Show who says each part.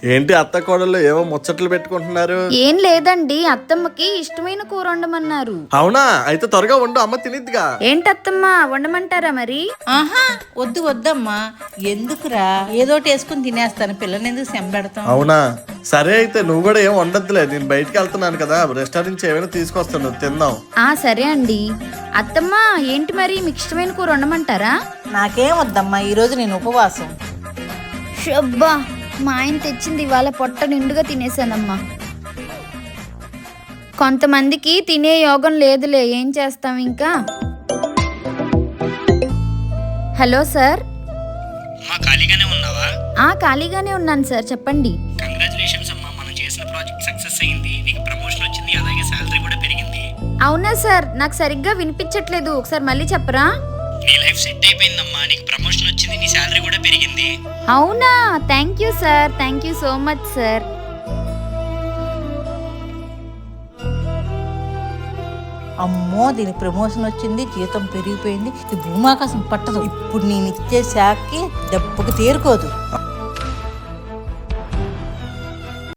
Speaker 1: ఏంటి అత్త కోడళ్ళు ఏమో ముచ్చట్లు పెట్టుకుంటున్నారు?
Speaker 2: ఏం లేదండి, అత్తమ్మకి ఇష్టమైన కూర వండమన్నారు.
Speaker 1: అవునా, అయితే త్వరగా వండు, అమ్మ తినిద్దిగా.
Speaker 2: ఏంటత్తమ్మా, వండమంటారా మరి?
Speaker 3: ఆహా, వద్దమ్మా, ఎందుకురా, ఏదోటి వేసుకుని తినేస్తాను, పిల్లని ఎందుకు సెంబెడతాం.
Speaker 1: అవునా, సరే అయితే నువ్వు కూడా ఏం వండద్దులే, నేను బయటికి వెళ్తున్నాను కదా, రెస్టారెంట్ నుంచి ఏమైనా తీసుకొస్తాను, తిందాం.
Speaker 2: సరే అండి. అత్తమ్మా, ఏంటి మరి, మీకు ఇష్టమైన కూర వండమంటారా?
Speaker 3: నాకేం వద్దమ్మా, ఈరోజు నేను ఉపవాసం.
Speaker 2: షబ్బా, మా ఆయన తెచ్చింది ఇవాళ పొట్ట నిండుగా తినేసానమ్మా. కొంతమందికి తినే యోగం లేదులే, ఏం చేస్తాం ఇంకా. Hello sir.
Speaker 4: ఖాళీగానే ఉన్నావా?
Speaker 2: ఖాళీగానే ఉన్నాను సార్, చెప్పండి.
Speaker 4: కంగ్రాచులేషన్స్ అమ్మా, మనం చేసిన ప్రాజెక్ట్ సక్సెస్ అయింది, నీకు ప్రమోషన్ వచ్చింది, అలాగే శాలరీ కూడా పెరిగింది.
Speaker 2: అవునా సార్, నాకు సరిగ్గా వినిపించట్లేదు, ఒకసారి మళ్ళీ చెప్పరా?
Speaker 4: నీ లైఫ్ సెట్ అయిపోయిందమ్మా, నీకు ప్రమోషన్ వచ్చింది, నీ శాలరీ కూడా పెరిగింది.
Speaker 2: అవునా, thank you sir, thank you so much sir.
Speaker 3: అమ్మో, దీనికి ప్రమోషన్ వచ్చింది, జీతం పెరిగిపోయింది, ఈ భూమాకాశం పట్టదు. ఇప్పుడు నేను ఇచ్చే శాఖకి దెబ్బకు తేరుకోదు.